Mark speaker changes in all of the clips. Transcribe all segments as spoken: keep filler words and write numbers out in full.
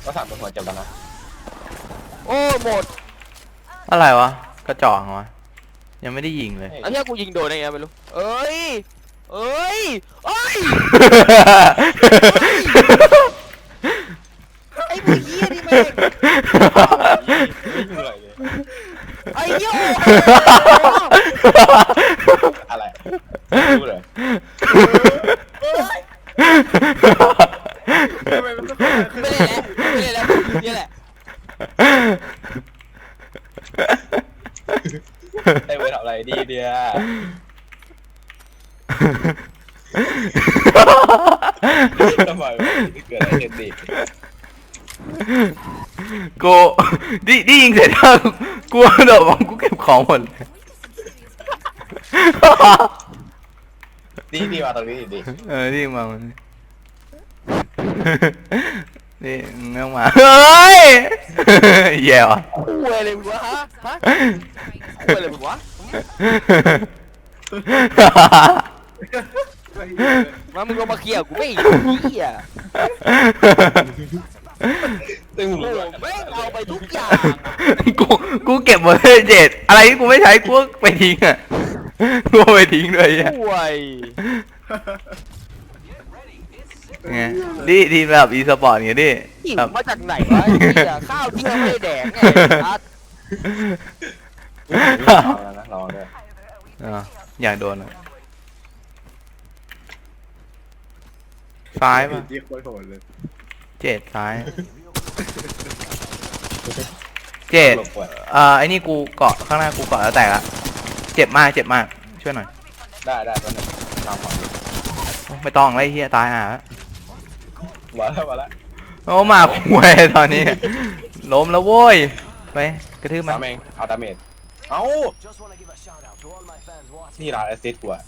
Speaker 1: ก็สามคนหัวเจ็บแล้วนะ
Speaker 2: โอ้หมด
Speaker 3: อะไรวะกระจอกวะยังไม่ได้ยิงเลย
Speaker 2: ไอ้เหี้ยกูยิงโดนได้ไงไม่รู้เอ้ยเอ้ยเอ้ยไอ้พวกเหี้ยนี่แม่ง
Speaker 1: ไม่เหนื่อยเลย
Speaker 2: ไอ้เหี้ย
Speaker 1: อะไรรู้เลย
Speaker 2: ไม่ได้แล้วไม่ได้แล้วนี่แหละ
Speaker 1: ไอ้เวทำอะไรดีเดียทำไมเกิดอะไรขึ้นดิ
Speaker 3: กูดิดิยิงเสร็จแล้วกูโดดมองกูเก็บของหมดเลย
Speaker 1: ดีดีมาตรงนี้ดิ
Speaker 3: เออดิมามันนี่เงามาเฮ้ยแย่ว่ะ
Speaker 2: คุยอะไรมึงวะฮะฮะคุยอะไรมึงวะมามึงลงมาเคลียร์กูไม่เหี้ย
Speaker 1: ตึงหลุด
Speaker 2: ไม่เอาไปทุกอย่าง
Speaker 3: กูกูเก็บหมดเลยเจ็ดอะไรที่กูไม่ใช้กูไปทิ้งอ่ะกูไปทิ้งเลยอ่ะ
Speaker 2: คุย
Speaker 3: ไงดิทีมแบบอีสปอร์ตไงดิ
Speaker 2: หิวมาจากไหนวะข้าวเที่ยวไม่แดกไงทัด
Speaker 1: รอนะรอด้วย
Speaker 3: อ่าอยากโดนอ่ะซ้ายป่ะเจ็ดซ้ายเจ็ดอ่าไอ้นี่กูเกาะข้างหน้ากูเกาะแล้วแตกละเจ็บมากเจ็บมากช่วยหน่อย
Speaker 1: ได้ได้ตอนนี้ทำก่อน
Speaker 3: ไม่ต้องไล่เฮียตายอ่ะ
Speaker 1: มาแล้วมาแล้ว
Speaker 3: โอ้มาคุยตอนนี้ล้มแล้วโว้ยไปกระทืบมัน
Speaker 1: เองเอาดาเมจเอานี่ร้านแอสซิสต์กูอะ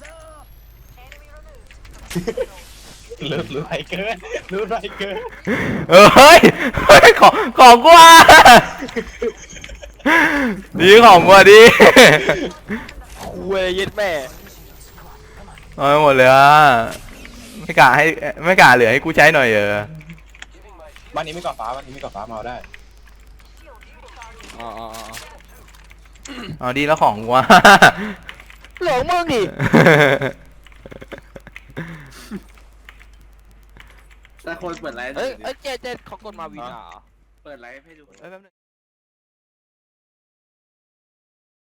Speaker 1: ลืมลืมไรเกินลืมไรเกิน
Speaker 3: เฮ้ยของของกูอ่ะดีของกูดี
Speaker 2: คุยยึดแม่
Speaker 3: เอาหมดเลยอ่ะไม่กล้าให้ไม่กล้าเหลือให้กูใช้หน่อยเออ
Speaker 1: บ้านนี้ไม่ก่อฟ้าบ้านนี้ไม่ก่อฟ้ามาเอาได้
Speaker 2: อ๋อ
Speaker 3: เอาดีแล้วของกูอ่ะ
Speaker 2: หลงมึงดิ
Speaker 4: แต่คนเปิดไลฟ์
Speaker 2: เอ้ยเอ้ยเจ๊เจ๊เขากดมาวินอ่ะ
Speaker 4: เปิดไลฟ์ให้ดู